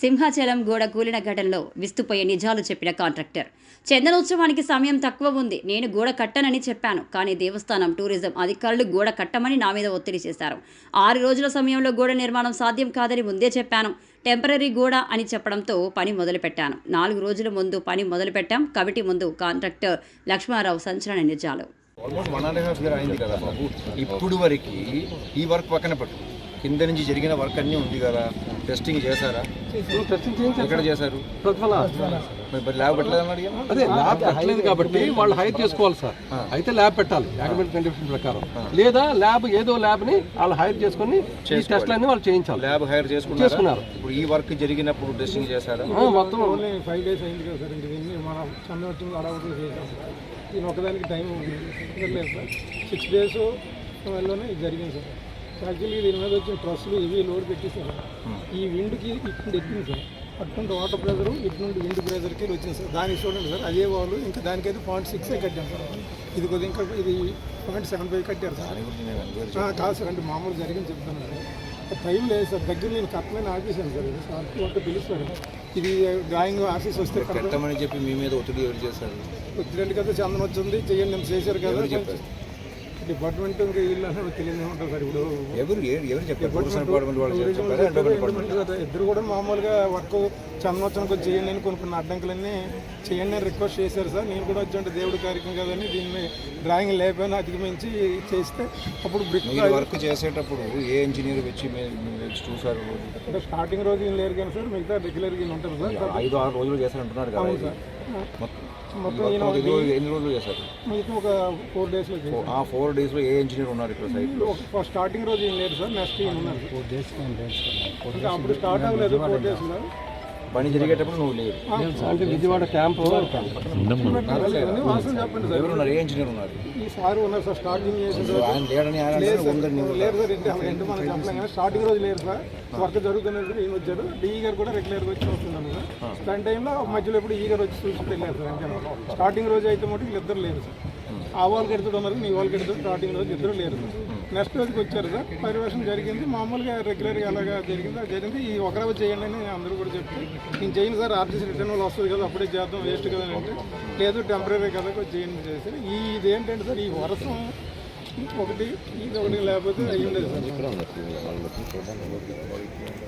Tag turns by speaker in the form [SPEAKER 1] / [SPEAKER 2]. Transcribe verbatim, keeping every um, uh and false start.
[SPEAKER 1] సింహాచలం గోడ కూలిన ఘటనలో విస్తుపోయే నిజాలు చెప్పిన కాంట్రాక్టర్. చందనోత్సవానికి సమయం తక్కువ ఉంది, నేను గోడ కట్టనని చెప్పాను. కానీ దేవస్థానం టూరిజం అధికారులు గోడ కట్టమని నా మీద ఒత్తిడి చేశారు. ఆరు రోజుల సమయంలో గోడ నిర్మాణం సాధ్యం కాదని ముందే చెప్పాను. టెంపరీ గోడ అని చెప్పడంతో పని మొదలుపెట్టాను. నాలుగు రోజుల ముందు పని మొదలుపెట్టాం. కమిటీ ముందు కాంట్రాక్టర్ లక్ష్మారావు సంచలన నిజాలు.
[SPEAKER 2] Almost one and half year అయింది కదా బాబు. ఇప్పుడు వరకు ఈ వర్క్ పక్కన పెట్టు, కింద నుంచి జరిగిన వర్క్ అన్నీ ఉంది కదా, టెస్టింగ్ చేశారా? ఎక్కడ చేశారు? ల్యాబ్ పెట్టలేదు.
[SPEAKER 3] అదే ల్యాబ్ పెట్టలేదు కాబట్టి వాళ్ళు హైర్ చేసుకోవాలి సార్. అయితే ల్యాబ్ పెట్టాలి యాక్మెంట్ కండిషన్ ప్రకారం, లేదా ల్యాబ్ ఏదో ల్యాబ్ ని వాళ్ళు హైర్ చేసుకుని టెస్ట్లన్నీ వాళ్ళు చేయించాలి.
[SPEAKER 2] ల్యాబ్ హైర్ చేసుకున్నారు. ఇప్పుడు ఈ వర్క్ జరిగినప్పుడు టెస్టింగ్ చేశారా?
[SPEAKER 3] మొత్తం
[SPEAKER 4] ఫైవ్ డేస్ అయింది కదా సార్. ఇంక దీన్ని మన చంద్రవచ్చింది అడవుతూ చేసాం. దీని ఒకదానికి టైం లేదు సార్. సిక్స్ డేస్ వల్లనే ఇది జరిగింది సార్. యాక్చువల్లీ దీని మీద వచ్చిన ట్రస్సులు ఇవి లోడ్ పెట్టేసారు. ఈ విండ్కి ఇటు ఎక్కింది సార్. అటువంటి వాటర్ ప్రెజరు ఇటు నుండి విండ్ ప్రెజర్కి వచ్చింది సార్. దానికి చూడండి సార్, అదే వాళ్ళు ఇంకా దానికైతే పాయింట్ సిక్సే కట్టాం సార్. ఇది కొద్దిగా ఇంకా ఇది పాయింట్ సెవెన్ ఫైవ్ కట్టారు సార్. కాదు సార్, అంటే మామూలు జరిగింది చెప్తాను సార్. టైం లేదు సార్. దగ్గర నేను కట్టమని ఆఫీసాను సార్. సార్ ఒక్క పిలుస్తాడు. ఇది డ్రాయింగ్ ఆఫీస్ వస్తే
[SPEAKER 2] కట్టమని చెప్పి మీ మీద ఒత్తిడి ఎవరు చేశారు?
[SPEAKER 4] ఒత్తిడి కదా, చందనం వచ్చింది చెయ్యండి నేను చేశారు కదా. డిపార్ట్మెంట్ ఇంకా వీళ్ళు అసలు తెలియదు ఉంటారు సార్. ఇప్పుడు
[SPEAKER 2] ఎవరు ఎవరు చెప్పారు?
[SPEAKER 4] ఇద్దరు కూడా మామూలుగా వర్క్ చందనోత్సవానికి వచ్చి చేయండి అని కొన్ని కొన్ని అడ్డంకులన్నీ చేయండి అని రిక్వెస్ట్ చేశారు సార్. నేను కూడా వచ్చి దేవుడి కార్యక్రమం కదని దీన్ని డ్రాయింగ్ లేకపోయినా అధిగమించి చేస్తే అప్పుడు బ్రిక్
[SPEAKER 2] వర్క్ చేసేటప్పుడు ఏ ఇంజనీర్ వచ్చి చూసారు?
[SPEAKER 4] అంటే స్టార్టింగ్ రోజు ఏం లేరు కానీ సార్, మిగతా రెగ్యులర్గా ఈయన ఉంటారు సార్.
[SPEAKER 2] ఐదు ఆరు రోజులు చేశారంటున్నారు కదా సార్. మొత్తం ఎన్ని రోజులు చేశారు?
[SPEAKER 4] మిగతా ఒక ఫోర్ డేస్లో.
[SPEAKER 2] ఆ ఫోర్ డేస్లో ఏ ఇంజనీర్ ఉన్నారు ఇక్కడ సైట్లో?
[SPEAKER 4] స్టార్టింగ్ రోజు ఏం లేదు సార్, నెక్స్ట్ ఈయన ఉన్నారు. ఫోర్ డేస్ ఇంకా అప్పుడు స్టార్ట్ అవ్వలేదు. ఫోర్ డేస్లో
[SPEAKER 2] పని జరిగేటప్పుడు నువ్వు లేదు.
[SPEAKER 3] అంటే విజయవాడ క్యాంప్
[SPEAKER 4] చెప్పండి
[SPEAKER 2] ఎవరు ఉన్నారు? ఏ ఇంజనీర్ ఉన్నారు?
[SPEAKER 4] ఈ సార్ ఉన్నారు సార్. స్టార్టింగ్
[SPEAKER 2] ఆయన లేడని
[SPEAKER 4] లేరు సార్. ఇంటి ఇంటి మనం చెప్పలేం కానీ స్టార్టింగ్ రోజు లేరు సార్. వర్క్ జరుగుతున్నది ఈయన వచ్చారు. డిఈ గారు కూడా రెగ్యులర్గా వచ్చి వస్తున్నాను సార్. దాని టైంలో మధ్యలో ఎప్పుడు ఈ గారు వచ్చి చూసి వెళ్ళారు సార్. అంటే స్టార్టింగ్ రోజు అయితే మటు వీళ్ళిద్దరు లేరు సార్. ఆ వాళ్ళకి ఎడుతుడు ఉన్నారు, నీ వాళ్ళకి ఎడుతుడు. స్టార్టింగ్ రోజు ఇద్దరు లేరు సార్. నెక్స్ట్ రోజుకి వచ్చారు సార్. పరివేషం జరిగింది మామూలుగా రెగ్యులర్గా అలాగా జరిగింది. అది జరిగింది. ఈ ఒక రోజు చేయండి అని అందరూ కూడా చెప్తే నేను చేయను సార్. ఆర్టీసీ రిటర్న్ వాళ్ళు వస్తుంది కదా, అప్పుడే చేద్దాం, వేస్ట్ కదా అంటే లేదు టెంపరీ కదా చేయండి చేశారు. ఈ ఇదేంటంటే సార్, ఈ వర్షం ఒకటి ఇది ఒకటి లేకపోతే అయ్యి ఉండేది సార్.